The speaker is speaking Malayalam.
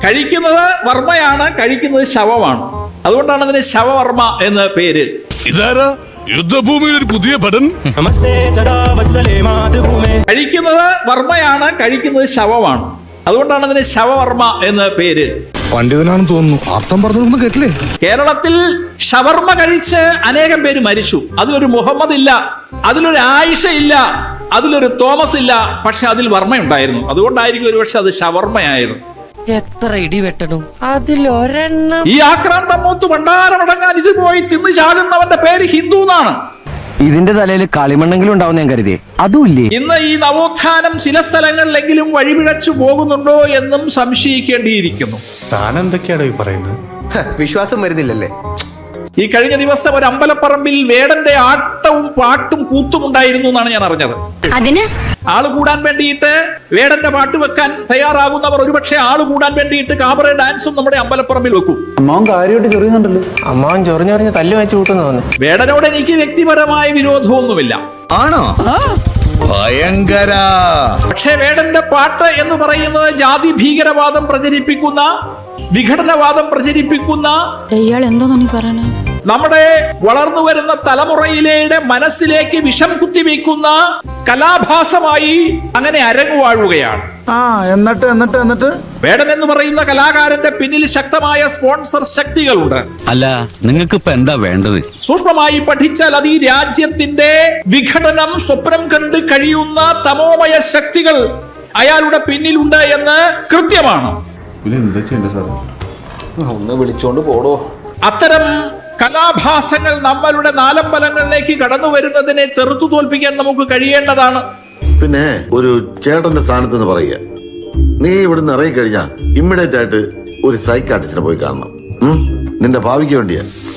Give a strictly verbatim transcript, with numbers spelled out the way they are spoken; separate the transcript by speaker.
Speaker 1: കഴിക്കുന്നത് വർമ്മയാണ്, കഴിക്കുന്നത് ശവമാണ്. അതുകൊണ്ടാണ് അതിന് ശവവർമ്മ എന്ന് പേര്.
Speaker 2: ഇതാരാ യുദ്ധഭൂമിയിൽ ഒരു പുതിയ പടൻ?
Speaker 1: കഴിക്കുന്നത് വർമ്മയാണ്, കഴിക്കുന്നത് ശവമാണ്. അതുകൊണ്ടാണ് അതിന് ശവവർമ്മ എന്ന് പേര്.
Speaker 2: പണ്ഡിതനാണെന്ന് തോന്നുന്നു. അർത്ഥം പറഞ്ഞൊന്നും കേട്ടില്ലേ?
Speaker 1: കേരളത്തിൽ ഷവർമ്മ കഴിച്ച് അനേകം പേര് മരിച്ചു. അതിലൊരു മുഹമ്മദ് ഇല്ല, അതിലൊരു ആയിഷ ഇല്ല, അതിലൊരു തോമസ് ഇല്ല, പക്ഷെ അതിൽ വർമ്മയുണ്ടായിരുന്നു. അതുകൊണ്ടായിരിക്കും ഒരുപക്ഷെ അത് ഷവർമ്മയായത്.
Speaker 3: എത്ര ഇടി വെട്ടണം അതിലൊരെണ്ണം.
Speaker 1: ഈ ആക്രാന്തം മൂത്ത് ഭണ്ഡാരമടങ്ങാൻ ഇത് പോയി തിന്നു ചാടുന്നവന്റെ പേര് ഹിന്ദു എന്നാണ്.
Speaker 4: ഇതിന്റെ തലയിൽ കളിമണ്ണെങ്കിലും ഉണ്ടാവും ഞാൻ കരുതിയേ, അതുമില്ലേ?
Speaker 1: ഇന്ന് ഈ നവോത്ഥാനം ചില സ്ഥലങ്ങളിലെങ്കിലും വഴിപിഴച്ചു പോകുന്നുണ്ടോ എന്നും സംശയിക്കേണ്ടിയിരിക്കുന്നു.
Speaker 5: താൻ എന്തൊക്കെയാണോ ഈ പറയുന്നത്?
Speaker 6: വിശ്വാസം വരുന്നില്ലല്ലേ?
Speaker 1: ഈ കഴിഞ്ഞ ദിവസം ഒരു അമ്പലപ്പറമ്പിൽ വേടന്റെ ആട്ടവും പാട്ടും കൂത്തും ഉണ്ടായിരുന്നു എന്നാണ് ഞാൻ അറിഞ്ഞത്.
Speaker 7: അതിന്
Speaker 1: ആള് കൂടാൻ വേണ്ടിയിട്ട് വേടന്റെ പാട്ട് വെക്കാൻ തയ്യാറാകുന്നവർ ഒരുപക്ഷെ ആള് കൂടാൻ വേണ്ടിയിട്ട് കാബറ ഡാൻസും നമ്മുടെ അമ്പലപ്പറമ്പിൽ വെക്കും.
Speaker 6: അമ്മാവൻ കാര്യമായിട്ട് ചൊറിയുന്നുണ്ടല്ലോ.
Speaker 3: അമ്മാവൻ ചൊറിഞ്ഞൊറിഞ്ഞ് തല്ലു വെച്ച് കൂട്ടുന്നു തോന്നുന്നു.
Speaker 1: വേടനോട് എനിക്ക് വ്യക്തിപരമായ വിരോധമൊന്നുമില്ല.
Speaker 8: ആണോ? ഭയങ്കര.
Speaker 1: പക്ഷേ വേടന്റെ പാട്ട് എന്ന് പറയുന്നത് ജാതി ഭീകരവാദം പ്രചരിപ്പിക്കുന്ന, വിഘടനവാദം പ്രചരിപ്പിക്കുന്ന,
Speaker 7: ഇയാൾ എന്തോന്നാ നീ പറയണേ?
Speaker 1: നമ്മുടെ വളർന്നു വരുന്ന തലമുറയിലെ മനസ്സിലേക്ക് വിഷം കുത്തിവെക്കുന്ന കലാഭാസമായി അങ്ങനെ അരങ്ങുവാഴുകയാണ്.
Speaker 6: ആ എന്നിട്ട് എന്നിട്ട് എന്നിട്ട്
Speaker 1: വേടൻ എന്ന് പറയുന്ന കലാകാരന്റെ പിന്നിൽ ശക്തമായ സ്പോൺസർ ശക്തികളുണ്ട്.
Speaker 4: അല്ല, നിങ്ങൾക്ക് ഇപ്പൊ എന്താ വേണ്ടത്?
Speaker 1: സൂക്ഷ്മമായി പഠിച്ചാൽ അത് ഈ രാജ്യത്തിന്റെ വിഘടനം സ്വപ്നം കണ്ട് കഴിയുന്ന തമോമയ ശക്തികൾ അയാളുടെ പിന്നിലുണ്ട് എന്ന് കൃത്യമാണ്.
Speaker 6: ഒന്ന് വിളിച്ചോണ്ട് പോടോ.
Speaker 1: അത്തരം കലാഭാസങ്ങൾ നമ്മളുടെ നാലമ്പലങ്ങളിലേക്ക് കടന്നു വരുന്നതിനെ ചെറുത്തു തോൽപ്പിക്കാൻ നമുക്ക് കഴിയേണ്ടതാണ്.
Speaker 8: പിന്നെ ഒരു ചേട്ടന്റെ സ്ഥാനത്ത് നിന്ന് പറയുക, നീ ഇവിടുന്ന് ഇറങ്ങി കഴിഞ്ഞാൽ ഇമ്മീഡിയറ്റ് ആയിട്ട് ഒരു സൈക്കാട്രിസ്റ്റിനെ പോയി കാണണം. നിന്റെ ഭാവിക്ക് വേണ്ടിയാ.